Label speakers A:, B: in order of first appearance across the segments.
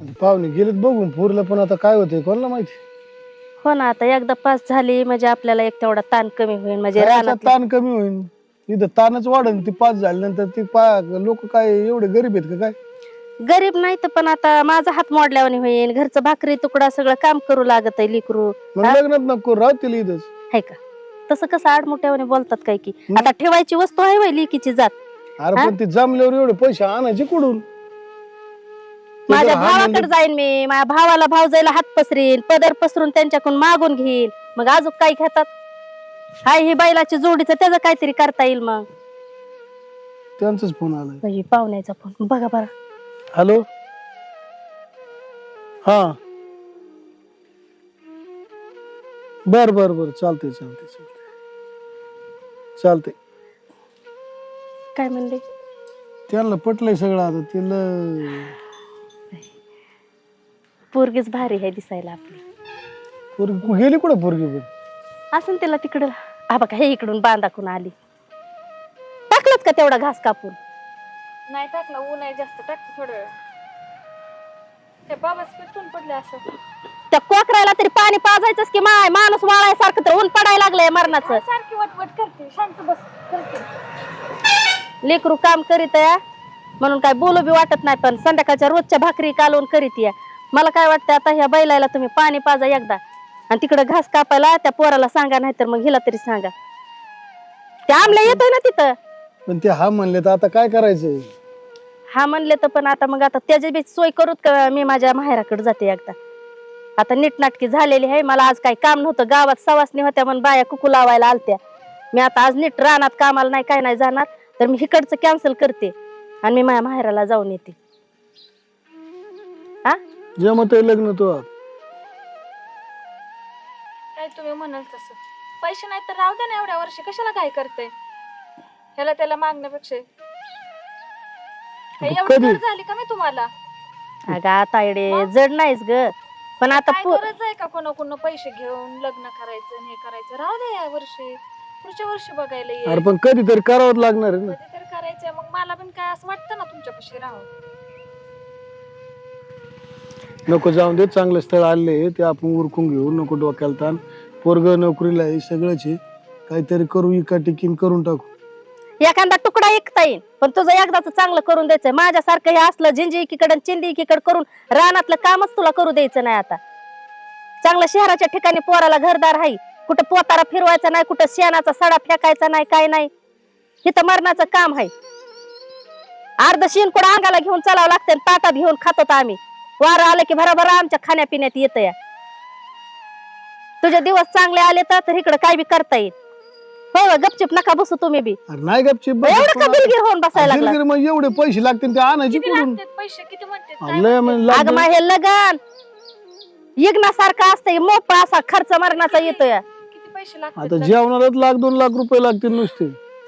A: पाहुणे गेलेत बघून पुरलं, पण आता काय होतंय कोणाला माहिती.
B: हो ना, आता एकदा पास झाली म्हणजे आपल्याला एक तेवढा ताण कमी होईल. म्हणजे
A: खायचा
B: रानात
A: ताण कमी होईल. इथं ताणच वाढेल. ती पास झाल्यानंतर ती लोक काय एवढे गरीब आहेत का काय?
B: गरीब नाही तर पण आता माझा हात मोडल्यावानी होईल. घरचं भाकरी तुकडा सगळं काम करू लागत आहे लेकरू.
A: मग लग्नात नको राहतील इथंच.
B: आहे का? तसं कसं आडमोठ्यावाने बोलतात काय की आता ठेवायची वस्तू आहे वय लेकीची जात.
A: अरे पण ती जमल्यावर एवढे पैसे आणायचे कुठून?
B: माझ्या भावाकडे जाईन मी, माझ्या भावाला भावजाईला हात पसरील, पदर पसरून त्यांच्याकडून मागून घेईल. मग अजून काय घेतात? हाय ही बैलाची जोडीचं त्याचं काहीतरी करता येईल. मग
A: त्यांचाच फोन आलाय.
B: पाहुण्याचा फोन बघा बरं.
A: हॅलो, हा, बर बर बर, चालतंय चालतंय चालतंय चालतंय.
B: काय म्हणले?
A: त्यांना पटलंय सगळं. आता तिला
B: पोरगीच भारी आहे दिसायला आपली.
A: पोरगी गेली कुठं? पोरगी पण
B: असं तिला तिकडं हा बघा हे इकडून बांधाकून आली. टाकलंच का तेवढा घास कापून?
C: नाही टाकला, ऊन आहे जास्त, टाकतो थोडं वेळ. ते बाबा पेटून पडले असं.
B: त्या कोकराला तरी पाणी पाजायचंच की माय, माणूस वाळायसारखं तर ऊन पडायला लागलंय मरणाचं.
C: सारखी वटवट करते, शांत बस करते.
B: लेकरू काम करीत या म्हणून काय बोलू बी वाटत नाही, पण संध्याकाळच्या रोजच्या भाकरी कालवून करीत या. मला काय वाटतं आता ह्या बैलाला तुम्ही पाणी पाजा एकदा आणि तिकडे घास कापायला त्या पोराला सांगा, नाही तर मग हिला तरी सांगा. ते आमल्या येतोय ना तिथं.
A: पण ते हा म्हणले तर आता काय करायचं?
B: हा म्हणले तर पण आता मग आता त्याची बी सोय करूत का? मी माझ्या माहेराकडे जाते एकदा. आता नीटनाटकी झालेली आहे. मला आज काही काम नव्हतं, गावात सवासणी होत्या म्हणून बाया कुकू लावायला आलत्या. मी आता आज नीट रानात कामाला नाही काय नाही जाणार, तर मी इकडचं कॅन्सल करते आणि मी माझ्या माहेराला जाऊन येते. हा
A: जमत लग्न तो.
C: काय तुम्ही म्हणाल तसं. पैसे नाही तर राहू दे ना, एवढ्या वर्षी कशाला काय करते? ह्याला त्याला मागण्यापेक्षा एवढी गरज झाली का मी तुम्हाला?
B: अगं आता इडे जड नाहीच ग, पण आता
C: काय गरज आहे का कोणाकडून पैसे घेऊन लग्न करायचं आणि हे करायचं? राहू दे या वर्षी, पुढच्या वर्षी बघायला ये.
A: अरे पण कधीतरी करावंच लागणार आहे ना.
C: कधीतरी करायचंय. मग मला पण काय असं वाटतं ना तुमच्यापाशी राहू.
A: नको जाऊन दे, चांगलं स्थळ आले ते आपण उरकून घेऊ. नको डोक्याला ताण. पोरग नोकरीला आहे, सगळंच आहे. काहीतरी करू, इका टिकीन करून टाकू.
B: एखादा तुकडा ऐकता येईल, पण तुझं एकदाच चांगलं करून द्यायचंय. माझ्यासारखं हे असलं झिंजी एकीकडे चिंदी एकीकडे करून रानातलं कामच तुला करू द्यायचं नाही. आता चांगलं शहराच्या ठिकाणी पोराला घरदार आहे, कुठं पोतारा फिरवायचा नाही, कुठं शेणाचा सडा फेकायचा नाही, काय नाही. इथं मरणाचं काम आहे. अर्ध शेण कुठं अंगाला घेऊन चालावं लागतं, ताटात घेऊन खातो आम्ही. वारं आलं की भराभर आमच्या खाण्यापिण्यात येतं या. तुझे दिवस चांगले आले तर इकडं काय बी करता येईल. हो गपचिप नका बसू तुम्ही बी.
A: नाही गपचिप
B: एवढं का दिलगीर होऊन बसायला लागला?
A: मग एवढे पैसे लागतील ते आणायचे कुठून?
C: पैसे किती म्हणते?
B: अगं मग हे लगन यज्ञासारखं असतंय, मोठा असा खर्च मरणाचा येतोय.
C: किती पैसे लागतात?
A: आता जेवणालाच लाख 2 लाख रुपये लागतील नुसते.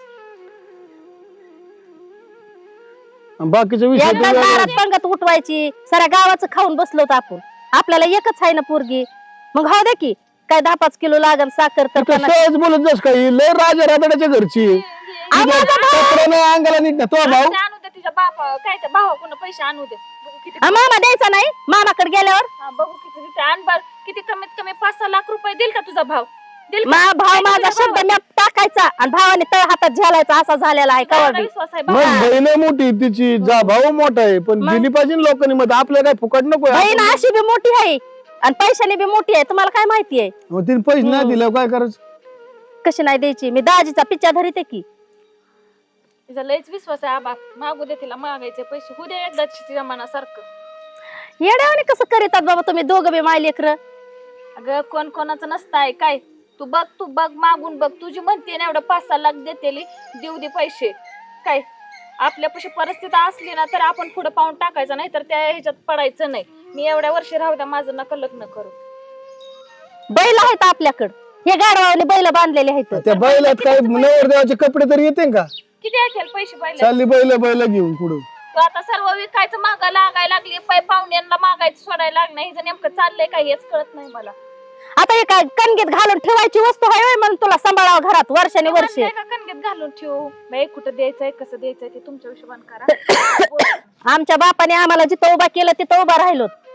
A: बाकीच्या
B: एकदा
A: विषय
B: दारात पंगत उठवायची, साऱ्या गावाचं खाऊन बसलो होतो आपण. आपल्याला एकच आहे ना पोरगी. मग हो दे की काय 10-5 किलो लागन साखर तर
A: सहज बोलत जास काही. लय राजा रातड्याच्या घरची अंगाला नीट ना तो भाऊ.
C: आणू दे तिच्या बापा, काय त्या भावाकडून पैसे आणू दे. बघू किती
B: मामा द्यायचा नाही. मामाकडे गेल्यावर
C: बघू किती तिथे आणबार. किती कमीत कमी 5-6 लाख रुपये देईल का तुझा भाव? देईल
B: मा भाव माझा शब्द मी टाकायचा आणि भावाने तळ हातात झेलायचा असा झालेला आहे.
C: का?
B: कवा
C: विश्वास आहे
A: मग बहीण मोठी तिची, जा भाऊ मोठा आहे, पण दिली पाहिजे लोकांनी. मग आपल्या काय फुकट नको.
B: बहीण अशी बी मोठी आहे आणि पैशाने बी मोठी आहे. तुम्हाला काय माहिती आहे?
A: मग तिने पैसे नाही दिले काय करायचं?
B: कशी नाही द्यायची? मी दाजीचा पिच्चा धरीते की.
C: तिचा लयच विश्वास आहे. आबा मागू दे तिला, मागायचे पैसे होऊ दे एकदा तिच्या मनासारखं.
B: येड्यावाने कसं करीतात बाबा तुम्ही दोघं बी माय लेकरं?
C: अगं कोण कोणाचं नसतंय काय. तू बघ मागून बघ. तुझी म्हणते ना एवढं 5-6 लाख देते, देऊ दे पैसे. काय आपल्यापाशी परिस्थिती असली ना तर आपण पुढे पाऊल टाकायचं, नाही तर त्या ह्याच्यात पडायचं नाही. मी एवढ्या वर्षी राहू द्या, माझं नका लग्न करू.
B: बैल आहेत आपल्याकडं, हे गाडवाने बैल बांधलेले आहेत.
A: त्या बैलात काय नवरदेवाचे कपडे तरी येते का?
C: किती असेल पैसे बैल?
A: चालली बैल घेऊन पुढे.
C: तू आता सर्व विकायचं मागा लागायला लागली, पाहुण्यांना मागायचं सोडायला लागणं. हे नेमकं चाललंय काय हेच कळत नाही मला.
B: आता हे काय कणगीत घालून ठेवायची वस्तू आहे म्हणून तुला सांभाळावं घरात वर्षाने वर्षे?
C: का कणगीत घालून ठेवू बाई? कुठं द्यायचंय, कसं द्यायचंय ते तुमच्या हिशोबाने करा.
B: आमच्या बापाने आम्हाला जिथं उभा केलं तिथं उभा राहिलो.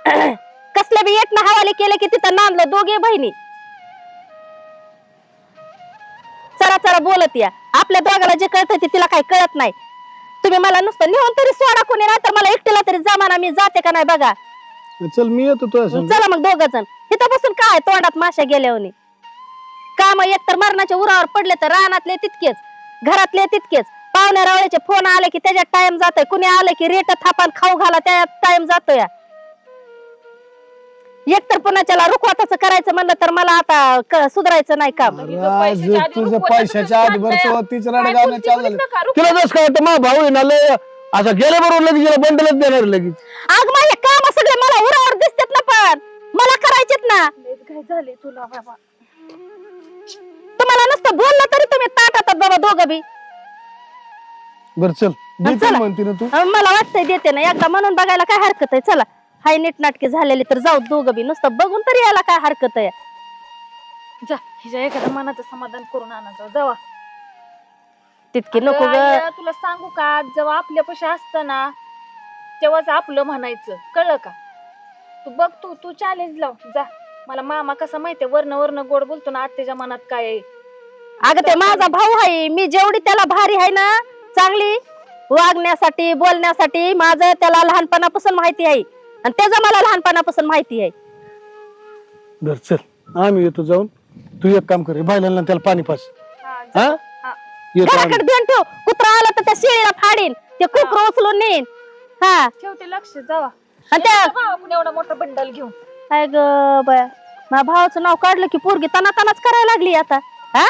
B: कसल्या बी एक ना हवाले केले की तिथं नांदलं दोघे बहिणी. चरा चरा बोलत या. आपल्या दोघाला जे कळत ते तिला काही कळत नाही. तुम्ही मला नुसतं नेऊन तरी सोडा कोणी नाही तर मला एकटीला तरी जमाना मी जाते का नाही बघा.
A: चल मी येतो तुझ्या संग.
B: चला मग दोघ जण. इथं बसून काय तोंडात माशा गेल्यावर काम एकतर मरणाच्या उरावर पडले तर रानातले तितकेच घरातले तितकेच. पाहुण्या रावळ्याचे फोन आले की त्याच्यात टाइम जातोय. कुणी आलं की रेट थापान खाऊ घाला त्याच्यात टाइम जातोय. एकतर पुन्हा रुखवाताचं करायचं म्हणलं तर मला आता सुधारायचं नाही काम.
A: आज तुझं पैशाच्या आधी भरतो तीच रडगावनं चाललं. तुला जस काय वाटतं मा भाऊ आहे ना लय असं गेल्या बरोबर लगेच गेला बंडलच देणार लगेच.
B: आग माझे काम सगळे मला उरावर दिसतात ना पण मला करायचेत ना.
C: काय झाले तुला बाबा?
B: तुम्हाला नुसतं बोललं तरी तुम्ही ताटातात बाबा दोघं बी.
A: बर चल देते
B: चला.
A: म्हणते ना तू.
B: मला वाटतंय देते ना एकदा म्हणून बघायला काय हरकत आहे. चला हाय नीट नाटके झालेली तर जाऊ दोघं बी. नुसतं बघून तरी यायला काय हरकत आहे.
C: जा हिच्या एखाद्या मनाचं समाधान करून आणा जावा.
B: तितकी नको ग.
C: अगं, तुला सांगू का जेव्हा आपल्यापाशी असतं ना तेव्हाच आपलं म्हणायचं कळलं का? तू बघ तू चॅलेंज लाव जा. मला मामा कसा माहितीये वर्ण वर्ण गोड बोलतो ना आत्याच्या मनात काय आहे.
B: अगं ते माझा भाऊ आहे. मी जेवढी त्याला भारी आहे ना चांगली वागण्यासाठी बोलण्यासाठी माझं त्याला लहानपणापासून माहिती आहे आणि त्याचं मला लहानपणापासून माहिती आहे.
A: बर चल आम्ही येतो जाऊन. तू एक काम कर बायलांना त्याला पाणी पास. हा येतो आम्ही.
B: घराकडे ध्यान ठेव. कुत्रा आला तर त्या शेळीला फाडीन ते कुत्र उचलून नेईन. हा
C: ठेवते लक्ष जावा.
B: आणि त्या
C: आपण एवढा मोठा बंडल घेऊन
B: काय ग बया माझ्या भावाचं नाव काढलं की पोरगी तनाच करायला लागली आता. हा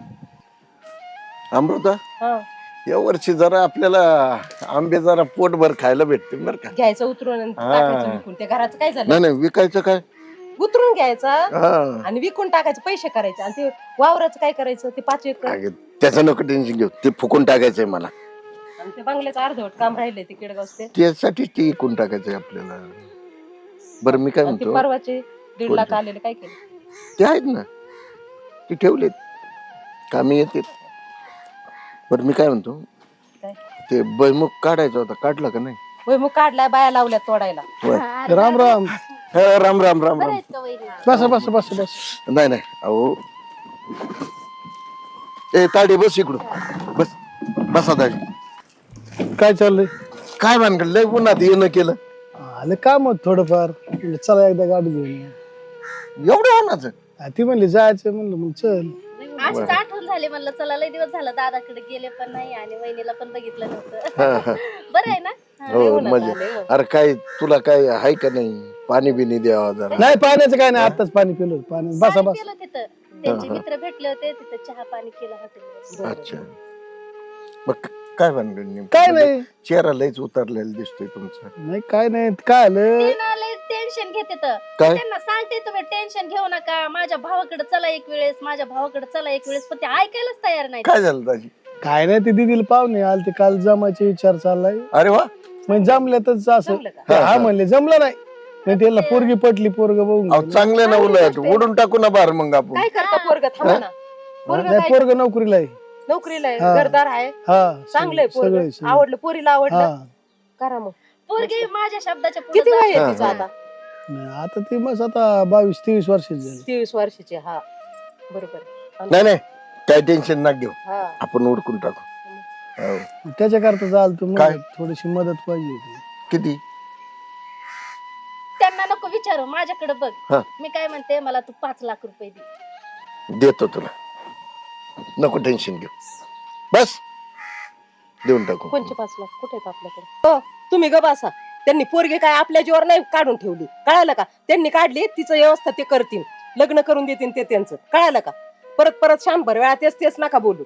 D: अमृता या वर्षी जरा आपल्याला आंबे जरा पोटभर खायला भेटते बरं का.
E: घ्यायचं उतरून आणि टाकायचं विकून. त्या घराचं काय झालं?
D: नाही नाही विकायचं काय.
E: उतरून घ्यायचं
D: हा
E: आणि विकून टाकायचं पैसे करायचे आणि ते वावराचं काय करायचं? ते 5 एकर
D: अगं, त्याचं नको टेन्शन घेऊ. ते फुकून टाकायचंय मला.
E: आणि ते बंगल्याचं अर्धवट काम राहिले ते केडगावचे.
D: त्यासाठी ते विकून टाकायचंय आपल्याला. बरं मी काय
E: आणि ते
D: म्हणतो
E: परवाचे 1.5 लाख आलेले काय केलं?
D: ते आहेत ना ते ठेवलेत कामी येते. बरं मी काय म्हणतो
E: काय?
D: ते बैमुख काढायचा होता काढला का नाही?
E: होय मग काढलाय बाया लावल्या तोडायला.
A: राम राम.
D: हा, राम राम राम राम.
A: बस बस बस बस.
D: नाही नाही अहो ए ताडी बस इकडून बस. बसा दाजी.
A: काय चाललंय?
D: काय भानगड लय उन्हात येणं केलं.
A: आलं काम होत थोडंफार. म्हणलं चला एकदा गाडी घेऊन ये.
D: एवढं उन्हाचं
A: ती म्हणली जायचं म्हणलं मग चल.
B: अशीच आठवण झाली म्हणलं चला लय दिवस झालं दादाकडे गेले पण नाही आणि वहिनीला पण बघितलं
D: हा,
B: नव्हतं.
D: हा.
B: बरं आहे ना.
D: हो मजा. अरे काय तुला काय आहे का नाही पाणी बिनी द्यावा जरा.
A: नाही पाण्याचं काय नाही आताच पाणी पिलं पाणी. बसा
B: पाणी
A: बस.
B: पिलं तिथं. त्यांचे मित्र भेटले होते तिथं चहा पाणी केलं हॉटेलवर.
D: अच्छा मग काय भानगड नेमकं?
A: काय नाही.
D: चेहरा लयच उतरलेला दिसतोय तुमचा.
A: नाही काय नाही काय आलं.
B: टेन्शन घेते तर
D: काय?
B: त्यांना सांगते तुम्ही टेन्शन घेऊ नका. माझ्या भावाकडे चला एक वेळेस माझ्या भावाकडे चला एक वेळेस पण ते ऐकायलाच तयार नाही.
D: काय झालं दाजी?
A: काय नाही ते दिदीला पाहुणे आले ते काल जमायचे विचार चाललाय.
D: अरे वा.
A: म्हणजे जमल्यातच असं.
E: जमलं का?
A: हा म्हणले जमलं नाही. नाही त्याला पोरगी पटली पोरग बघून
D: अहो
A: गेलं.
D: चांगलं ना उलट उडून टाकू ना बार मग आपण.
E: काय करता पोरग? थांबा ना. पोरग
A: नाही
E: काय
A: पोरग नोकरीला आहे.
E: नोकरीला आहे
A: हा.
E: घरदार आहे
A: हा
E: चांगलंय
A: सगळे
E: पोरग.
A: सगळे.
E: आवडलं पोरीला आवडलं
A: हा
E: करा मग.
B: पोरगी माझ्या शब्दाच्या पुढे
E: किती वय
B: जाते.
E: आहे तिचं आता?
A: नाही, आता ती मस्त आता 22-23 वर्षाची झाली.
E: 23 वर्षाची. हा बरोबर.
D: नाही नाही काय टेन्शन ना घेऊ
E: हा
D: आपण उडकून टाकू. हो.
A: त्याच्याकरता चाल तू
D: काय?
A: थोडीशी मदत पाहिजे होती.
D: किती?
B: त्यांना नको विचारू माझ्याकडे बघ.
D: हा.
B: मी काय म्हणते मला तू 5 लाख रुपये दे.
D: देतो तुला नको टेन्शन घेऊ बस देऊन टाकू.
E: कोणचे 5 लाख कुठे आहेत आपल्याकडे? हो तुम्ही ग बसा. त्यांनी पोरगी काय आपल्या जीवर नाही काढून ठेवली कळालं का? त्यांनी काढली तिचं व्यवस्था ते करतील लग्न करून देतील ते त्यांचं कळालं का? परत परत 100 वेळा तेच नका बोलू.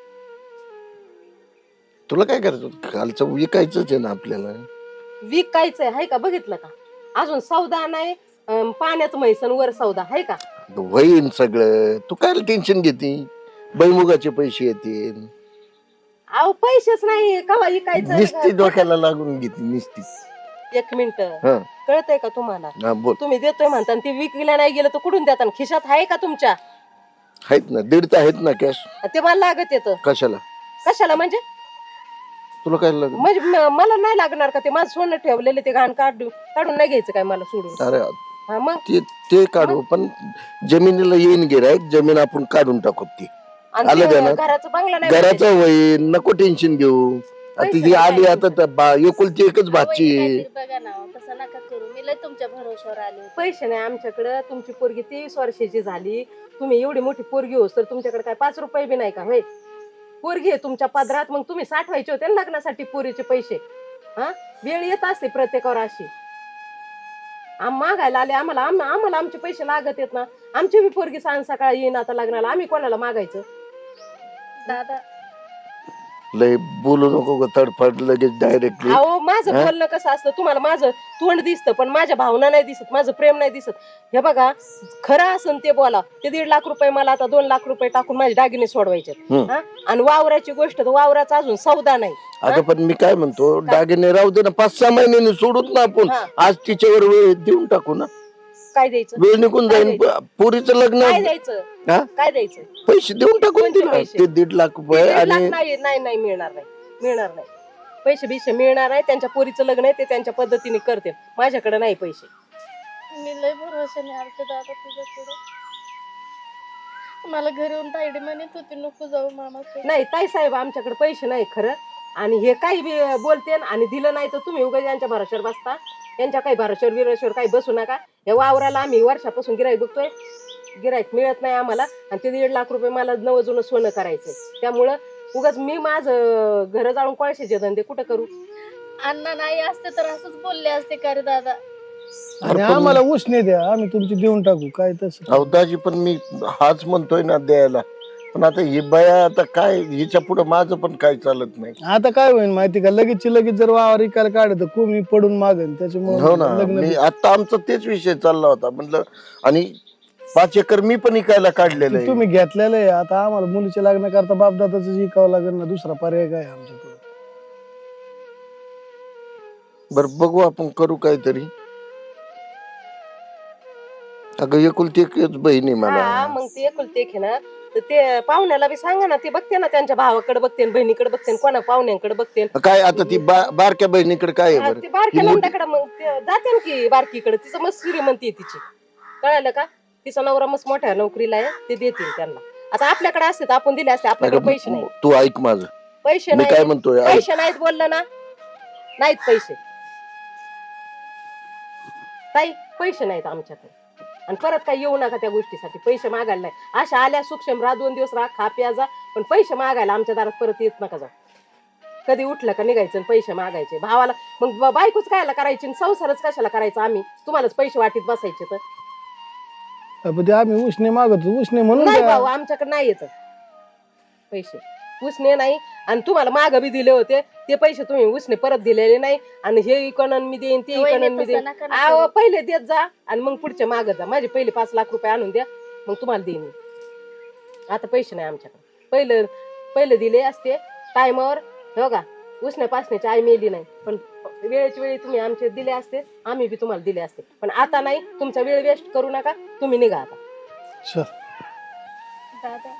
D: तुला काय करायचं कालचं विकायचंच आहे ना आपल्याला.
E: विकायचंय हाय का? बघितलं का? अजून सौदा नाही. पाण्यात म्हैसन वर सौदा हाय का?
D: होईन सगळं. तू काय टेन्शन घेते? बैमुगाचे पैसे येतील.
E: अहो पैसेच नाही कवा
D: निस्ती
E: विकायचं.
D: डोक्याला लागून घेते निस्ती.
E: 1 मिनिट
D: हा
E: कळतंय का तुम्हाला?
D: हा बोल.
E: तुम्ही देतोय म्हणता आणि ते विकल्या नाही गेलं तर कुठून देता? खिशात आहे का तुमच्या?
D: आहेत ना 1.5 आहेत ना कॅश.
E: ते मला लागत येतं.
D: कशाला?
E: कशाला म्हणजे?
D: तुला काय लागलं?
E: म्हणजे मला नाही लागणार का ते माझं सोनं ठेवलेलं ते घाण काढून नाही घ्यायचं काय मला सोडून?
D: अरे
E: हा मग
D: ते काढू, पण जमिनीला येईन गिरायक, जमीन आपण काढून टाकू ती.
E: आणि
D: आलं
E: ते
D: का ना?
E: घराचं बंगला नाही
D: घराचं होईल, नको टेन्शन घेऊ. आता
E: पैसे
D: ही
E: नाही
D: आली
E: पाहिजे.
D: आता एकुलती एकच भाची आहे.
B: काहीतरी बघा ना तसं नका करू, मी लय तुमच्या भरोश्यावर आले होते.
E: पैसे नाही आमच्याकडे. तुमची पोरगी 23 वर्षाची झाली, तुम्ही एवढी मोठी पोरगी होस तर तुमच्याकडे काय 5 रुपये बी नाही का? होय, पोरगी आहे तुमच्या पदरात, मग तुम्ही साठवायचे होते ना लग्नासाठी पोरीचे पैसे. हा, वेळ येत असते प्रत्येकावर अशी. मागायला आले आम्हाला आम्हाला आमचे पैसे लागत आहेत ना. आमची बी पोरगी सांग सकाळी येईन आता लग्नाला, आम्ही कोणाला मागायचं?
B: दादा
D: लय बोलू नको ग, तडफड लगेच डायरेक्टली.
E: अहो माझं बोलणं कसं असतं, तुम्हाला माझं तोंड दिसतं पण माझ्या भावना नाही दिसत, माझं प्रेम नाही दिसत. हे बघा, खरं असन ते बोला. ते 1.5 लाख रुपये मला आता 2 लाख रुपये टाकून माझे दागिने सोडवायचे. आणि वावराची गोष्ट तर वावराचा अजून सौदा नाही.
D: अगं पण मी काय म्हणतो, दागिने राहू दे ना, 5-6 महिन्यांनी सोडूत ना आपण. आज तिच्यावर वेळ देऊन टाकू ना.
E: काय द्यायचं?
D: वेळ निघून जाईल, पोरीचं लग्न.
E: काय द्यायचं?
D: हा?
E: काय द्यायचं?
D: पैसे देऊन टाकून
E: कोणते
D: दिला
E: पैसे?
D: ते 1.5 लाख रुपये.
E: 1.5 लाख
D: आणि
E: नाही मिळणार नाही. पैसे बिशे मिळणार नाही. त्यांच्या पोरीचं लग्न आहे, ते त्यांच्या पद्धतीने करते. माझ्याकडे नाही पैसे.
B: मी लय भरोशाने आलते दादा तुझ्याकडे. मला घरी येऊन ताईडी म्हणत होती नको जाऊ मामाकडे.
E: नाही ताई साहेब, आमच्याकडे पैसे नाही खरं. आणि हे काही बी बोलते आणि दिलं नाही तर तुम्ही उगाच यांच्या भरोश्यावर बसता. यांच्या काही भरोश्यावर विरोश्यावर काही बसू नका. या वावराला आम्ही वर्षापासून गिराईक बघतोय, गिराईक मिळत नाही आम्हाला. आणि ते 1.5 लाख रुपये मला नवं जुनं सोनं करायचंय. त्यामुळं उगाच मी माझं घर जाळून कोळशाचे धंदे कुठं करू?
B: अण्णा नाही असते तर असंच बोलले असते का रे दादा?
A: आणि आम्हाला उसने द्या, आम्ही तुमची देऊन टाकू. काय तसं
D: अवदाजी, पण मी हाच म्हणतोय ना द्यायला. पण आता ही बाया आता काय, हिच्या पुढे माझं पण काय चालत नाही.
A: आता काय होईल माहिती का, लगेच जर वावर इकायला काढत कोणी पडून मागन.
D: हो ना,
A: त्याच्यामुळे लग्न
D: मी आता आमचा तेच विषय चालला होता. म्हणलं, आणि 5 एकर मी पण इकायला काढलेलं आहे.
A: तुम्ही घेतलेलं आहे. आता आम्हाला मुलीच्या लग्न करता बापदादाच इकावं लागेल ना, दुसरा पर्याय काय आमच्याकडे?
D: बरं बघू, आपण करू काहीतरी. अगं एकुलती एकच बहीण आहे
E: हा,
D: मला.
E: मग ते एकुलते एक आहे ना, तर ते पाहुण्याला बी सांगा ना. ते बघते ना, त्यांच्या भावाकडे बघते, बहिणीकडे बघते, कोणा पाहुण्यांकडे बघते.
D: काय आता ती बारक्या बहिणीकडे काय आहे
E: ते
D: बरं?
E: बारक्या
D: ही मोठी-
E: नंदाकडे मग ते जाते ना की बारकीकडे. तिचं मस्त श्रीमंती आहे तिची, कळालं का? तिचा नवरा मस्त मोठ्या नोकरीला आहे, ते देतील त्यांना. आता आपल्याकडे असते तर आपण दिले असते. आपल्याकडे पैसे नाही.
D: तू ऐक माझं,
E: पैसे
D: मी काय
E: नाही.
D: म्हणतोय, ऐक.
E: पैसे नाहीत बोललं ना, नाहीत पैसे. ताई पैसे नाहीत आमच्याकडे. आणि परत काही येऊ नका त्या गोष्टीसाठी. पैसे मागायला नाही. अशा आल्या सूक्ष्म राहा, 2 दिवस राहा, खा प्या जा, पण पैसे मागायला आमच्या दारात परत येत नका जा. कधी उठलं का निघायचं आणि पैसे मागायचे भावाला. मग बायकोच कायला करायची आणि संसारच कशाला करायचा? आम्ही तुम्हालाच पैसे वाटीत बसायचे तर.
A: पण ते आम्ही उसने मागतो, उसने म्हणून
E: नाही
A: द्या.
E: भाऊ, आमच्याकडे नाही येत पैसे. उसने नाही. आणि तुम्हाला माग बी दिले होते ते पैसे, तुम्ही उसने परत दिलेले नाही. आणि हे इकॉनॉमी मी देईन, ते
B: वहिनी,
E: इकॉनॉमी मी
B: तसं
E: देईन.
B: नका ना
E: अहो,
B: करू.
E: पहिले देत जा आणि मग पुढच्या माग जा. माझे पहिले 5 लाख रुपये आणून द्या, मग तुम्हाला देईन मी. आता पैसे नाही आमच्याकडे. पहिले दिले असते टायमावर. हे बघा, उसने पासण्याची आई मेली नाही, पण वेळेच्या वेळी तुम्ही आमचे दिले असते, आम्ही बी तुम्हाला दिले असते. पण आता नाही. तुमचा वेळ वेस्ट करू नका, तुम्ही निघा आता.
A: चल.
B: दादा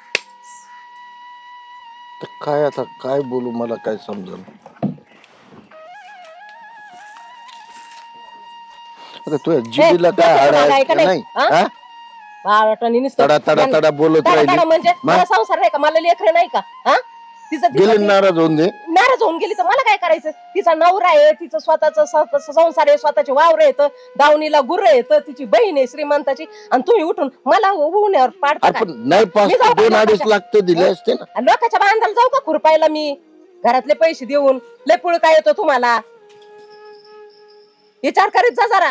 D: तर काय आता काय बोलू, मला काय समजलं. आता तुझ्या जिभेला काय हाड आहे का नाही? हा?
E: बाळाटाने नुसतं
D: तडा तडा तडा बोलत
E: तडा
D: राहिली.
E: तडा म्हणजे मला संसार नाही का? मला लेकरं नाही का? हा, तिचं
D: गेले नाराज होऊन दे.
E: नाराज होऊन गेली तर मला काय करायचं? तिचा नवरा आहे, तिचं स्वतःच संसार आहे, स्वतःचे वावर येत, दावणीला गुर्र येत, तिची बहीण आहे श्रीमंताची, आणि तुम्ही उठून मला उन्हावर पाडता काय?
D: आपण नाही 2-2.5 लाख तर दिले असते ना.
E: आणि लोकांच्या बांधाला जाऊ का खुरपायला मी? घरातले पैसे देऊन लय पुळ काय येतो तुम्हाला? विचार करीत जा जरा.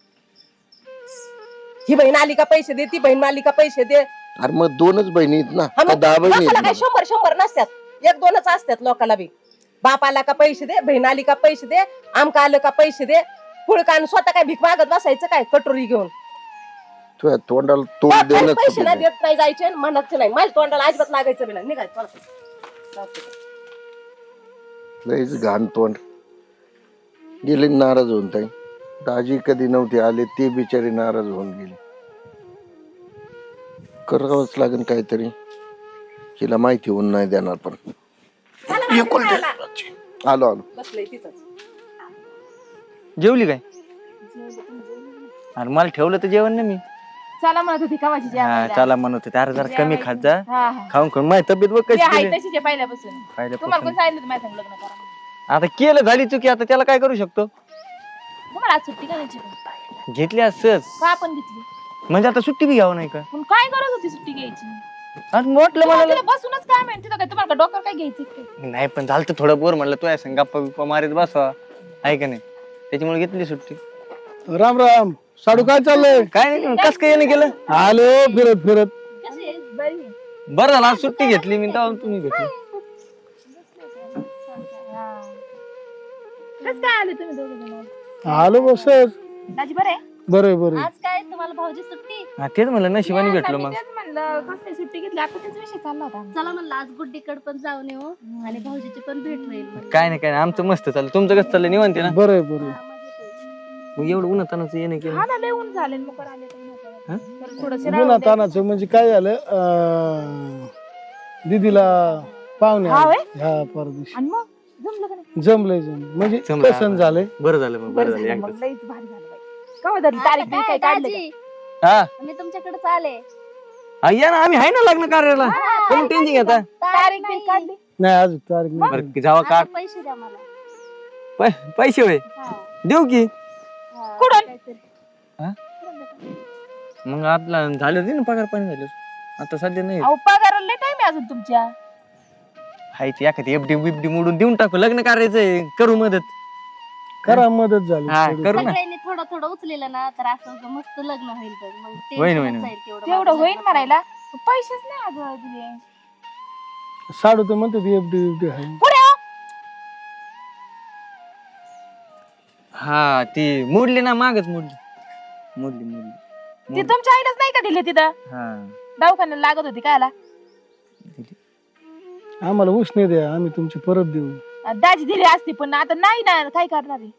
E: ही बहीण आली का पैसे दे, ती बहीण आली का पैसे दे.
D: अरे मग 2च बहिणी आहेत ना,
E: हा,
D: का
E: मग
D: 10 बहिणी
E: लोकाला काय
D: आहेत?
E: 100 नसतात, 1-2च असतात लोकाला बी. बाप आला का पैसे दे, बहीण आली का पैसे दे, आमका आलं का पैसे दे. पुळकान स्वतः काय भीक मागत बसायचं काय कटोरी घेऊन?
D: तुझ्या तोंडाला तोंड देणं
E: पैसे नाही देत नाही जायचे, म्हणायचं नाही. माझ्या तोंडाला अजिबात लागायचं बी नाही. निघायचं
D: लईच घाण तोंड. गेले नाराज होऊन. ताई दाजी कधी नव्हते आले, ते बिचारी नाराज होऊन गेले. करावंच लागेल काहीतरी. हिला माहिती होऊन नाही देणार पण.
E: चला,
D: एकुलती एक. आलो आलो.
E: बसलंय तिथंच.
F: जेवली काय? अरे मला ठेवलं तर जेवण ना मी.
C: चला म्हणत होती कवाची
F: हा
C: जेवायला.
F: चला म्हणत होते. अरे जरा कमी खात जा.
C: हा हा
F: खाऊन खाऊन माझी तब्येत बघ
C: मी
F: कशी
C: आहे
F: केली.
C: तशीच आहे पहिल्यापासून. तुम्हाला
F: पहिल्यापासून.
C: कोण सांगितलं माझ्या संग लग्न करा म्हणून?
F: आता केलं झाली चुकी आता त्याला काय करू शकतो.
C: तुम्हाला आज सुट्टी करायची का?
F: घेतली असंच
C: का आपण घेतली?
F: म्हणजे आता सुट्टी बी घ्यावं नाही का?
C: पण काय गरज होती सुट्टी घ्यायची?
F: आज म्हटलं
C: तुम्हाला
F: मला
C: तिला बसूनच काय माहिती काय तुम्हाला डॉक्टर काय घ्यायचं काय?
F: नाही पण झालं तर थोडं बोर म्हणलं तू आहे संग गप्पा बिप्पा मारीत बसवा आहे का नाही त्याच्यामुळे घेतली सुट्टी.
A: राम राम. साडू काय चाललंय?
F: काय नाही कस काय याने केलं.
A: आलो फिरत फिरत.
C: कशी आहे? बरी आहे.
F: बरं झालं आज सुट्टी घेतली मी तेव्हा तुम्ही घेतली.
C: हा. कसं काय आले तुम्ही दोघे जण?
A: आलो बसच.
C: दाजी बरे?
A: बरं बरं.
B: आज काय तुम्हाला भाऊजी सुट्टी?
F: हा तेच म्हणलं नशिबाने भेटलो
C: मी
F: मग.
C: तेच म्हणलं कसं काय सुट्टी घेतली आता त्याच विषय चालला होता आमचा.
B: चला म्हणलं आज गुड्डीकडे पण जाऊन येऊ आणि भाऊजीची पण भेट होईल म्हणलं.
F: काय नाही आमचं मस्त चाललं. तुमचं कसं चाललं निवांत आहे ना.
A: बरं बरं.
B: हा, मजेत आहे.
F: मग एवढं उन्हातानाचं येणं केलं.
C: हा ना लय ऊन झाले मग आले
F: हा?
C: थोडस
A: गुन्हा तानाचं म्हणजे काय झालं दीदीला पाहुणे
C: हा
A: आले.
C: व्हय?
A: ह्या परदेशी
C: आणि मग जमलं का नाही?
A: जमलंय म्हणजे
F: जमलं.
A: पसंत झालंय.
F: बरं झालं मग
C: बरं
F: बरं झालं
C: झालं मग
F: एकदाच.
C: लईच भारी झालं बाई. का धरली तारीख बिरीख काय काढलं का?
B: दाजी,
F: हा
B: मी तुमच्याकडेच आले.
F: या ना आम्ही आहे ना लग्न कार्याला. तुम्ही टेन्शन घेता.
C: तारीख बिरीख काढली?
A: नाही अजून तारीख नाही.
F: बरं जावा
B: आता
F: काढ
B: पैसे द्या मला.
F: पैसे होय
B: हा,
F: देऊ की.
B: हा,
C: कुठून?
B: काहीतरी.
F: मग आपला झालं ते ना पगार पाणी झालं. आता सध्या नाही
C: अहो पगाराला लय टाइम आहे अजून तुमच्या.
F: हायची एखादी एफडी बिफडी मोडून देऊन टाकू. लग्न करायचंय करू मदत.
A: करा मदत झाली
F: हा
A: थोडी.
F: करू ना.
B: सगळ्यांनी थोडं थोडं उचलेलं ना तर असं मस्त लग्न होईल बघ. मग ते
F: होईन, होईन.
B: जाईल तेवढं
C: तेवढं
B: माझं
C: होईल
B: लग्न.
C: म्हणायला पैसेच नाही अगं दिले.
A: साडू तर म्हणते ती एफडी बिफडी आहे.
C: पुढे हो.
F: हा ती मोडली ना मागच मोडली. मोडली मोडली
C: ती
F: मोडली.
C: तुमच्या आईलाच नाही का दिले तिथं?
F: हा
C: दवाखान्याला लागत होती कायला?
F: दिली.
A: आम्हाला उसने द्या आम्ही तुमची परत देऊ.
C: दाजी दिली असती पण आता नाही ना काय करणार आहे?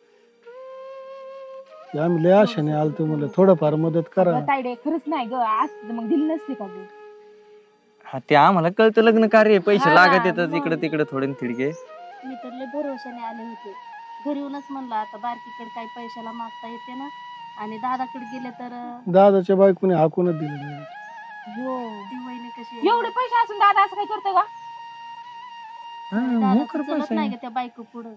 A: आम्ही लय आशाने आलतो म्हणलं थोडंफार मदत करा.
C: ताईडे खरंच नाही ग असती तर मग दिली नसती का ग?
F: हा ते आम्हाला कळतं लग्न कार्य पैसे
B: हा
F: लागत
B: ना,
F: येतात
B: मग.
F: इकडे तिकडे थोडे न थिडके.
B: मी तर लय भरोशाने आले होते. घरी येऊनच म्हणलं आता बारकीकडे काही पैशाला मागता येते ना आणि दादाकडे गेले तर
A: दादाच्या बायकोने हाकूनच दिलं.
B: ती वहिनी कशी आहे?
C: एवढे पैसे असून दादा असं काय करतोय का?
F: हा,
B: दादाचं
F: मोकर
B: चलत
F: पैसा
B: नाही
F: आहे.
B: का त्या बायको पुढं.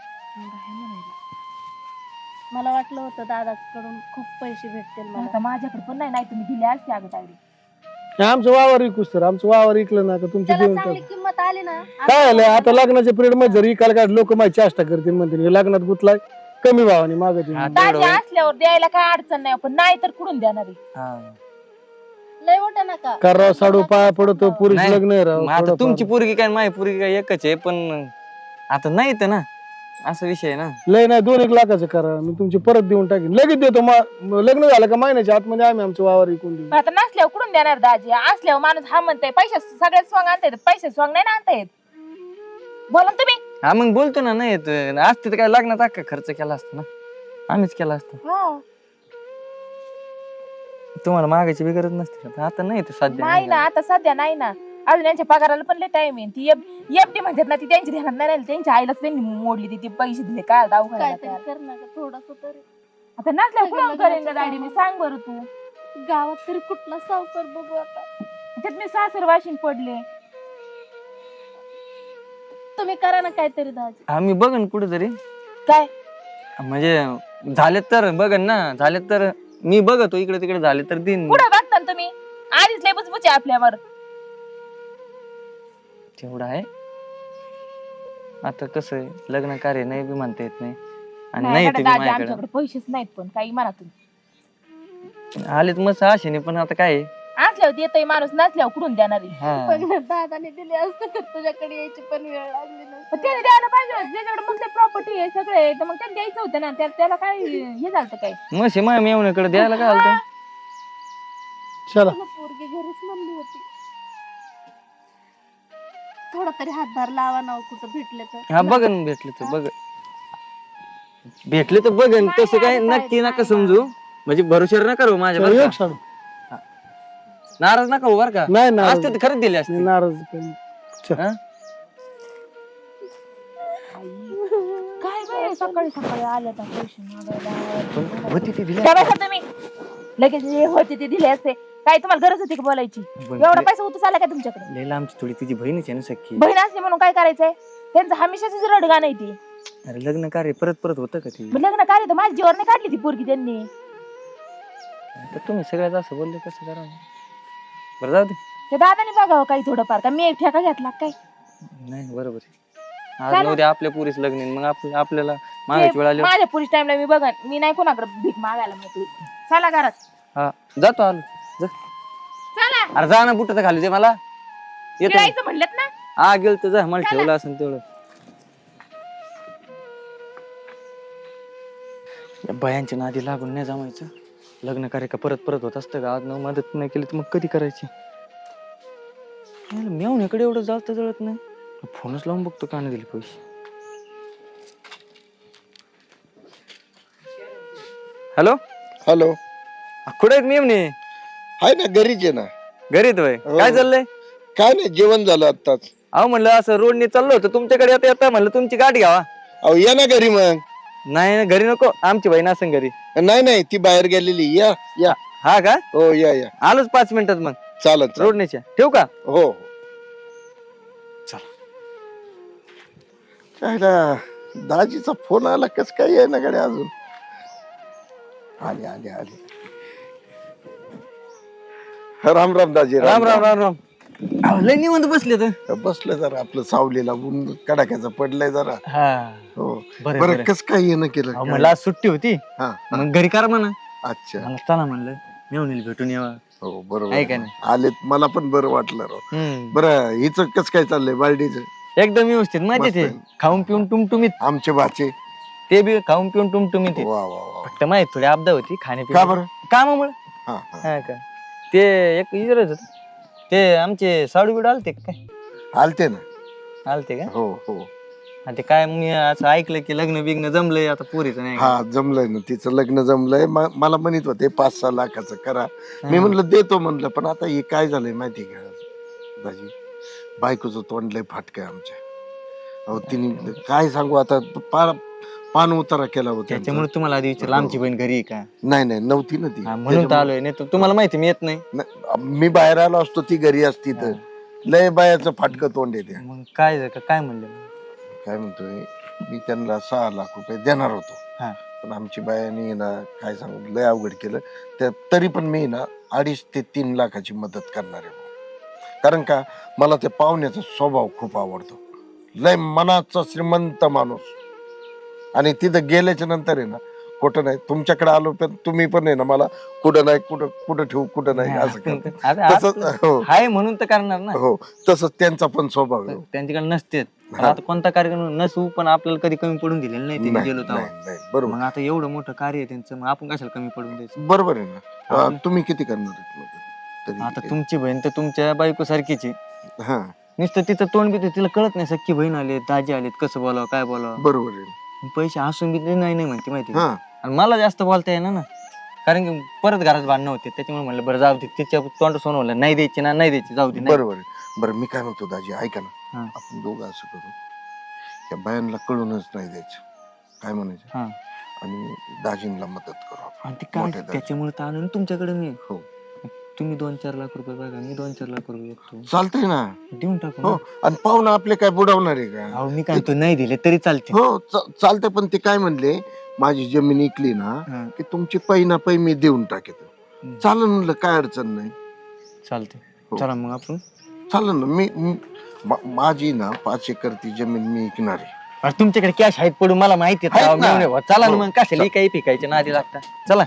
B: मला वाटलं होतं दादाकडून खूप पैसे भेटतील मला.
C: आता माझ्याकडे पण नाही तुम्ही दिले असते अगं ताईडे.
A: हे आमचं वावर विकूस तर आमचं वावर इकलं ना का तुमची
B: त्याला
A: देऊन
B: चांगली
A: टाक.
B: किंमत आली ना.
A: काय झालं आता लग्नाच्या पिरियड मध्ये जर इकायला काय लोक माझी चेष्टा करतील म्हणतील हे लग्नात गुतलाय कमी भावाने मागतील.
F: हा,
C: दाजी
F: तेवढं होय.
C: असल्यावर द्यायला काय अडचण नाही पण नाही तर कुठून देणार आहे?
F: हा.
B: लय मोठा नका.
A: करावं साडू पाया पडतो पुरुष
F: नाही,
A: लग्न आहे राव.
F: मग आता
A: थोडंफार.
F: तुमची पोरगी काय माझी पोरगी काय एकच आहे पण आता नाही तर ना असा विषय आहे ना.
A: लय नाही 2-1 लाखाचं करा मी तुमची परत देऊन टाकेन लगेच देतो. लग्न झालं का महिन्याच्या आतमध्ये आम्ही आमचं वावर विकून देऊ.
C: पण आता नसल्यावर कुठून देणार दाजी? असल्यावर माणूस हा म्हणताय पैसे सगळ्यात स्वांग आणता येत पैसे स्वांग नाही ना आणता येत. बोला ना तुम्ही.
F: हा मग बोलतो ना नाही येत असते तर काय लग्नात अख्खा खर्च केला असता ना आम्हीच केला असता. तुम्हाला मागायची बी गरज नसते का? आता नाही तर सध्या
C: नाही ना आता सध्या नाही ना अजून यांच्या पगाराला पण लय टाइम आहे. ती एफडी म्हणतात ना ती त्यांची ध्यानात नाही राहिली. त्यांच्या आईलाच त्यांनी मोडली ती पैसे दिले काय दवाखान्याला
B: काहीतरी
C: त्याला.
B: कर ना ग थोडस तरी.
C: आता नसल्यावर कुठून करेन ग दाडी? मी सांग बरं तू.
B: गावात तरी कुठला सावकार बघू आता.
C: त्यात मी सासर वाशिन पडले.
B: तुम्ही करा ना काहीतरी दाजी.
F: आम्ही बघन कुठेतरी
C: काय
F: म्हणजे झाले तर बघन ना झाले तर मी बघतो इकडे तिकडे झाले तर दिन
C: कुठं बघता ना तुम्ही? आधीच लय बुचबुचे आपल्यावर.
F: तेवढं आहे. आता कसं आहे लग्न कार्य नाही बी म्हणता येत नाही आणि
C: नाही
F: नाही
C: गड्या
F: ते बी
C: दाजी
F: माझ्याकडे
C: आमच्याकडे पैसेच नाहीत पण काही म्हणा तुम्ही.
F: आलेत मस्त आशेने पण आता काय आहे?
C: असल्यावर येतोय माणूस नसल्यावर कुठून देणार आहे?
F: हा
B: पण दादाने दिले असते तर तुझ्याकडे यायची पण वेळ लागली
C: पण
B: नसती.
C: त्याने द्यायला पाहिजे होतं. ज्याच्याकडे मग प्रॉपर्टी आहे सगळे तर मग त्याला द्यायचं होतं ना. त्याला काय हे झालं काय?
F: मशी माय मेवण्याकडे द्यायला काय आलं
A: चला
B: तुला पोरगी घरीच म्हणली होती. थोडा तरी हातभार लावा ना हो, कुठं भेटले तर.
F: हा बघन भेटले तर बघ भेटले तर बघन तसं काय नक्की नका समजू म्हणजे भरोशावर नका राहू माझ्या बरं
A: एक
F: का?
A: साडू
F: नाराज नका हो बरं का
A: नाही नाराज
F: असते तर खरंच दिले असते
A: नाराज काही नाही. चल.
F: हा?
G: सकाळी सकाळी आले तर पैसे मागायला.
F: पण होती ती दिली
G: काय बसा तुम्ही लगेच जे होते ते दिले असते. काय तुम्हाला गरज होती का बोलायची? एवढा पैसा उतू आला का तुमच्याकडे?
F: लैला आमची थोडी तुझी बहीणच आहे ना सख्खी.
G: बहीण असली म्हणून काय करायचंय? त्यांचं हमेशाच रडगा नाही ती.
F: अरे लग्न कार्य परत परत होतं का ती?
G: मग लग्न कार्य तर माझ्या जीवावर नाही काढली ती पोरगी त्यांनी.
F: तर तुम्ही सगळ्यात असं बोलले कसं करा? बरं जाऊ दे.
G: ते दादाने बघावं काही थोडंफार का मी एक ठेका घेतला काय?
F: नाही बरोबर आहे. आज उद्या आपल्या पुरीच लग्न आहे, मग आपल्याला
G: ते
F: मागायची वेळ आली.
G: माझ्या पुरीस टाइमला मी बघन. मी नाही कोणाकडे भीक मागायला मोकळी. चला घरात.
F: हा जातो आलो जा.
G: चला
F: अरे जा ना बुटाचं खाली दे मला. येतो मी.
G: गिळायचं म्हणलेत ना.
F: हा गेल तर जा, मला ठेवलं असेल तेवढं. या बायांच्या नादी लागून नाही जमायचं. लग्न कार्य का परत परत होत असतं का? आज न मदत नाही केली तर मग कधी करायची? मेवण्याकडे एवढं जास्त जळत नाही. फोनच लावून बघतो का नाही दिले पैसे. हॅलो
D: हॅलो,
F: कुठे आहेत मेवणे?
D: हाय ना, घरीच आहे ना.
F: घरीत होय.
D: हो.
F: काय चाललंय?
D: काय नाही, जेवण झालं आत्ताच.
F: अहो म्हणलं असं रोडने चाललो होतं तुमच्याकडे येता येता म्हणलं तुमची गाडी घ्यावा.
D: अहो या ना घरी मग.
F: नाही घरी नको, आमची बहीण असं घरी.
D: नाही नाही, ती बाहेर गेलेली. या या.
F: हा का?
D: हो या या.
F: आलोच 5 मिनिटात मग.
D: चालत
F: रोडनेच्या ठेवू का?
D: हो हो. चला, दाजीचा फोन आला, कस काय आहे ना कडे अजून. आले आले आले. राम राम दाजी.
F: राम राम राम राम. अहो, लय निवांत बसले तर.
D: बसलं जरा, आपलं सावलीला ऊन कडाक्याचं पडलंय जरा.
F: हा
D: हो
F: बरं
D: बरं,
F: बरं.
D: कस काय येणं केलं
F: अहो,
D: काय?
F: म्हणलं आज सुट्टी होती
D: हा हा.
F: मग घरी करा म्हणा.
D: अच्छा.
F: मला चला म्हणलं मेवणीला भेटून यावा.
D: हो बरोबर
F: आहे का
D: आहे.
F: नाही?
D: आलेत, मला पण बरं वाटलं राव.
F: हम्म.
D: बरं, हिचं कस काय चाललंय बालडीचं?
F: एकदम व्यवस्थित मजेत
D: मस्त
F: आहे.
D: आहे.
F: खाऊन पिऊन टुमटुमीत.
D: आमचे बाचे.
F: ते बी खाऊन पिऊन टुमटुमीत आहे.
D: वा वा वा.
F: फक्त माहित थोडी आपदा होती
D: का
F: खाण्यापिण्या
D: बरं?
F: कामामुळे.
D: हा हा.
F: हा का? ते एक विचारत होत, ते आमचे साडू बिडू आलते का काय?
D: आलते ना.
F: आलते का?
D: हो हो.
F: हा, ते काय मी असं ऐकलं की लग्न बिग्न जमलंय आता पोरीचं नाही का?
D: हा जमलंय ना, तिचं लग्न जमलंय. मला म्हणत होते 5-6 लाखाचं करा. मी म्हणलं देतो म्हणलं, पण आता हे काय झालंय माहिती का दाजी, बायकोचं तोंड लय फाटकं आहे आमच्या. अहो तिने काय सांगू आता, पान उतारा केला होता.
F: त्याच्यामुळे तुम्हाला आधी विचारलं आमची बहीण घरी आहे का?
D: नाही नाही, नव्हती ना ती.
F: हा, म्हणून तर आलोय. नाही तर तुम्हाला माहिती मी येत नाही.
D: मी बाहेर आलो असतो, ती घरी असती तर. लय बायाचं फाटकं तोंड येते.
F: मग काय काय म्हणलं?
D: काय म्हणतोय, मी त्यांना 6 लाख रुपये देणार होतो.
F: हा.
D: पण आमची बायाने ना काय सांगू लय अवघड केलं. तरी पण मी ना 2.5 ते 3 लाखाची मदत करणार आहे. कारण का, मला त्या पाहुण्याचा स्वभाव खूप आवडतो. लय मनाचा श्रीमंत माणूस. आणि तिथं गेल्याच्या नंतर आहे ना, कुठं नाही, तुमच्याकडे आलो पण तुम्ही पण आहे ना मला कुठं नाही कुठं ठेवू कुठं नाही असं करता.
F: आता
D: तसंच हो
F: हाय म्हणून तर करणार ना.
D: हो, तसंच त्यांचा पण स्वभाव आहे.
F: त्यांच्याकडे नसते.
D: हा.
F: आता कोणता कार्यक्रम नसू पण आपल्याला कधी कमी पडून दिलेलं नाही. ते
D: नाही,
F: गेलो तेव्हा.
D: नाही, नाही, बरोबर
F: मग आता एवढं मोठं कार्य आहे त्यांचं, मग आपण कशाला कमी पडून द्यायचं?
D: बरोबर आहे ना.
F: आपण-
D: तुम्ही किती करणार आहेत मदत? तरी
F: आता
D: किती?
F: तुमची बहीण तर तुमच्या बायको सारखीची.
D: हा
F: नुसतं तिचं तोंड बी तिला कळत नाही. सख्खी बहीण आली, दाजी आलेत, कसं बोलावं काय बोलावं.
D: बरोबर आहे.
F: पैसे हसून बी ते नाही म्हणते माहिती का?
D: हा
F: आणि मला जास्त बोलता येणार ना, कारण की परत घरात भांडणं होते. त्याच्यामुळे म्हणलं बरं जाऊ दे, तिच्या तोंड सोनवलं नाही द्यायची ना, नाही द्यायची, जाऊ दे. नाही.
D: बरोबर आहे. बरं मी काय म्हणतो दाजी, ऐका ना,
F: हा.
D: आपण दोघं असं करू, त्या बायांना कळूनच नाही द्यायचं, काय म्हणायचं,
F: हा.
D: आणि दाजींना मदत करू आपण.
F: आणि ते काय
D: मोठ्या दाजी.
F: त्याच्यामुळे तर आलो ना तुमच्याकडे मी.
D: हो
F: तुम्ही 2-4 लाख रुपये बघा, मी 2-4 लाख रुपये बघतो,
D: चालतंय ना.
F: देऊन टाकू
D: हो,
F: ना.
D: आणि पाहुणा आपले काय बुडवणार आहे का?
F: अहो मी काय म्हणतो, नाही दिले तरी चालते.
D: हो चालतंय, पण ते काय म्हणले, माझी जमीन इकली ना
F: हा.
D: की तुमची पै ना पै मी देऊन टाकेतो. चालेल म्हणलं, काय अडचण नाही.
F: चालते.
D: हो.
F: चला मग आपण.
D: चालेल ना. माझी ना 5 एकर ती जमीन मी विकणार आहे.
F: अरे तुमच्याकडे कॅश आहेत पडून, मला माहिती आहे.
D: आहेत ना.
F: मेवणे भाऊ, चला ना
D: हो.
F: मग, कशाला काही पिकायचे ना आधी लागता. चला.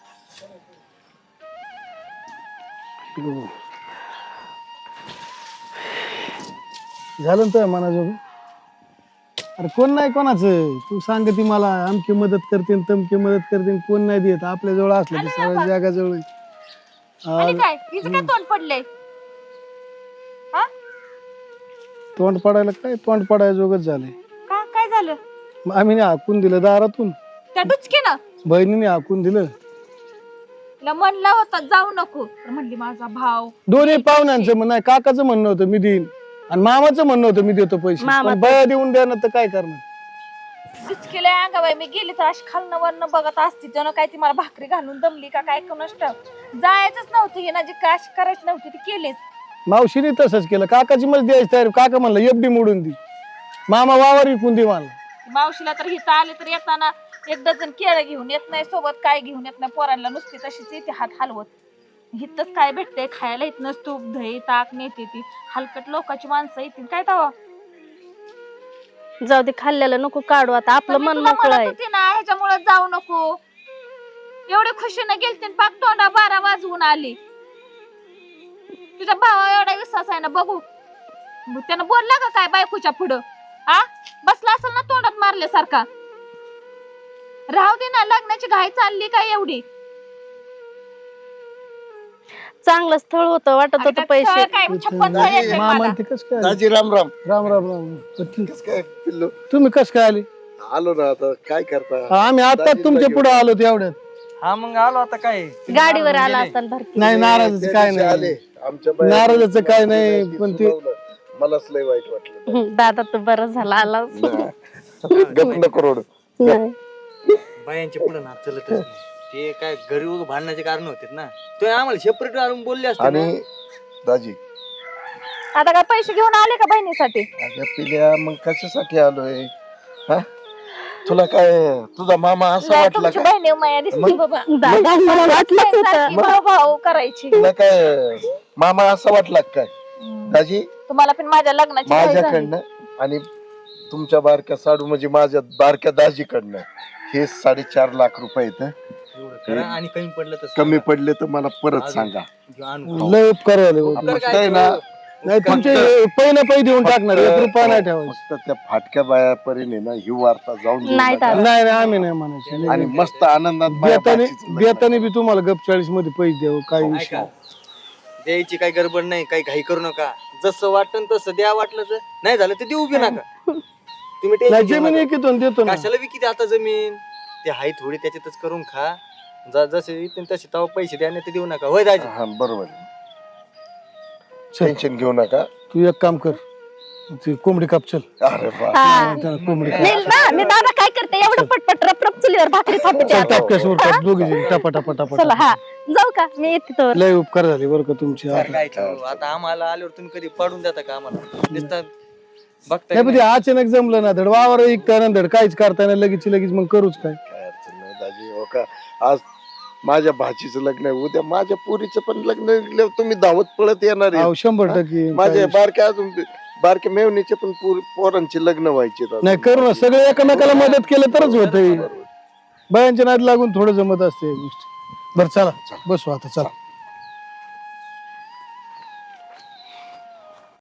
A: झालं तर मनाजोग. अरे कोण नाही कोणाचं, तू सांगती मला आमची मदत करते तमकी मदत करते, कोण नाही देत. आपल्या जवळ असलं की सगळ्या जागाजवळ.
C: आणि काय हिचं काय तोंड पडलंय?
A: तोंड पडायला काय, तोंड पडायला जोगच झालंय.
C: का काय झालं?
A: मग आम्ही हाकून दिलं दारातून,
C: त्या डुचके ना
A: बहिणीने हाकून दिलं.
C: म्हणला होता जाऊ नको, तर म्हणली माझा भाव.
A: दोन्ही पाहुण्यांचं म्हणणं आहे, काकाचं म्हणणं होतं मी देईन, आणि मामाचं म्हणणं होतं मी देतो पैसे.
B: मामा
A: पण बया देऊन द्या ना, तर काय करणार.
C: केलंय अंगाबाई मी गेली तर अशी खालनं वरनं बघत असती जण काय ती मला भाकरी घालून दमली का काय कोणाच जायचंच नव्हतं हे ना जी काश करायची नव्हती ती केलीच.
A: मावशीने तसंच केलं, काकाची मला द्यायची तयारी, काका म्हणलं एफडी मोडून दी, मामा वावर विकून दे मला.
C: मावशीला तर हिथं आले तर येताना 1 डझन केळं घेऊन येत नाही, सोबत काय घेऊन येत नाही, पोरांना नुसती तशीच येते हात हलवत. हिथंच काय भेटतंय खायला, इथनं तूप दही ताक नेते ती हलकट लोकांची माणसं येतील काय तवा.
B: जाऊ दे, खाल्ल्याला नको काढू आता, आपलं मन मोकळं आहे.
C: ह्याच्यामुळे जाऊ नको, एवढे खुशीने गेलते पाक तोंडा 12 वाजवून आली. तुझ्या भावा एवढा विश्वास आहे ना, बघू त्यानं बोलला का काय बायकोच्या पुढं? आ बसला असेल ना तोंडात मारल्यासारखा. राहू दे ना, लग्नाची घाई चालली काय एवढी?
B: चांगलं स्थळ होतं, वाटत होतं पैसे.
C: काय 56 स्थळ येते
A: मामा
C: मला.
A: ते कस काय आले?
D: दाजी राम राम.
A: राम राम राम.
D: कस काय पिल्लू?
A: तुम्ही कस काय आले?
D: आलो ना, आता काय करता.
A: आम्ही आता तुमच्या पुढे आलो एवढ्यात.
F: हा मग आलो आता काय
B: गाडीवर आला असताना भरती.
A: नाही नाराजच काय
D: आले
A: नाही,
D: आमच्या
A: नाराजाचं काय नाही, पण ते
D: मलाच लय वाईट वाटलं.
B: दादा तू बरं झाला आला.
D: गप्प करोड.
F: बायांच्या पुढे ना चलतच नाही. ते काय घरी उगा भांडण्याचे कारण होते ना, तो आम्हाला सेपरेट आणून बोलले असते ना.
D: आणि दाजी
C: आता काय पैसे घेऊन आले का बहिणीसाठी?
D: अगं पिल्या, मग कशासाठी आलोय? हा? तुला काय तुझा मामा असा वाटला
C: तुमची
D: का?
C: बहिणी माया दिसती बाबा.
B: दादा मला वाटलंच होतं.
C: भाऊ भाऊ करायची.
D: तुला काय मामा असा वाटला का काय? दाजी
C: तुम्हाला पण माझ्या लग्नाची घाई झाली.
D: माझ्याकडनं आणि तुमच्या बारक्या साडू म्हणजे माझ्या बारक्या दाजीकडनं हे 4.5 लाख रुपये आहेत.
F: एवढं करा आणि कमी पडलं तर
D: कमी पडले तर मला परत सांगा.
F: आणू.
A: लय उपकार झाले हो.
D: फक्त आहे ना,
A: नाही तुमचे पहिलं पै देऊन टाकणार, 1 रुपया नाही ठेवायचं.
D: फक्त त्या फाटक्या बायापर्यंत ना ही वार्ता जाऊन देऊ
B: नाही
D: नका.
B: दादा.
A: नाही नाही, आम्ही नाही म्हणायचं.
D: आणि मस्त आनंदात बाया
A: बेताने
D: बाकीचं लग्न.
A: बेताने बी तुम्हाला गप 40 मध्ये पैसे द्यावं, काही विषय
F: ऐका, द्यायची काही गडबड नाही, काही घाई करू नका. जसं वाटन तसं द्या, वाटलं तर नाही झालं तर देऊ बी नका. तुम्ही
A: नाही.
F: tension घेऊ
A: जमीन
F: नका.
A: एकीतून देतो ना.
F: कशाला विकी आता जमीन? ते हाय थोडी त्याच्यातच करून खा. जसे येतील तसे तेव्हा पैसे द्या, नाही ते देऊ नका. होय दाजी?
D: हा बरोबर. टेन्शन घेऊ नका.
A: तू एक काम कर, ती कोंबडी काप चल.
D: अरे वा.
B: हा.
A: त्याला कोंबडी काप.
B: नाही ना, मी दादा काय करते, एवढं पटपट रप चुलीवर भाकरी थापते
A: चल
B: आता.
A: टपक्यास उरतात दोघी जण, टपा टपा टपा
B: चला
A: टपा.
B: हा जाऊ का, मी येते तर.
A: लय उपकार झाले बरं का तुमचे.
F: काय करू? आता आम्हाला आल्यावर तुम्ही कधी पडून देता का आम्हाला? नुसतं बघताय
A: नाही पण ते अचानक जमलं ना, धड वावर ऐकता ना, धड काहीच करता नाही, लगेच मग करूच काय.
D: काय अडचण नाही दाजी. हो का, आज माझ्या भाचीचं लग्न आहे, उद्या माझ्या पोरीचं पण लग्न आहे. तुम्ही धावत पळत येणार आहे.
A: अहो, 100%
D: माझ्या बारक्या अजून बारक्या मेवणीचे पण पोरांचे लग्न व्हायचे.
A: नाही करू ना, सगळे एकमेकाला मदत केलं तरच होत. बायांच्या नाद लागून थोडं जमत असते या गोष्टी. बरं चला बसू आता, चला.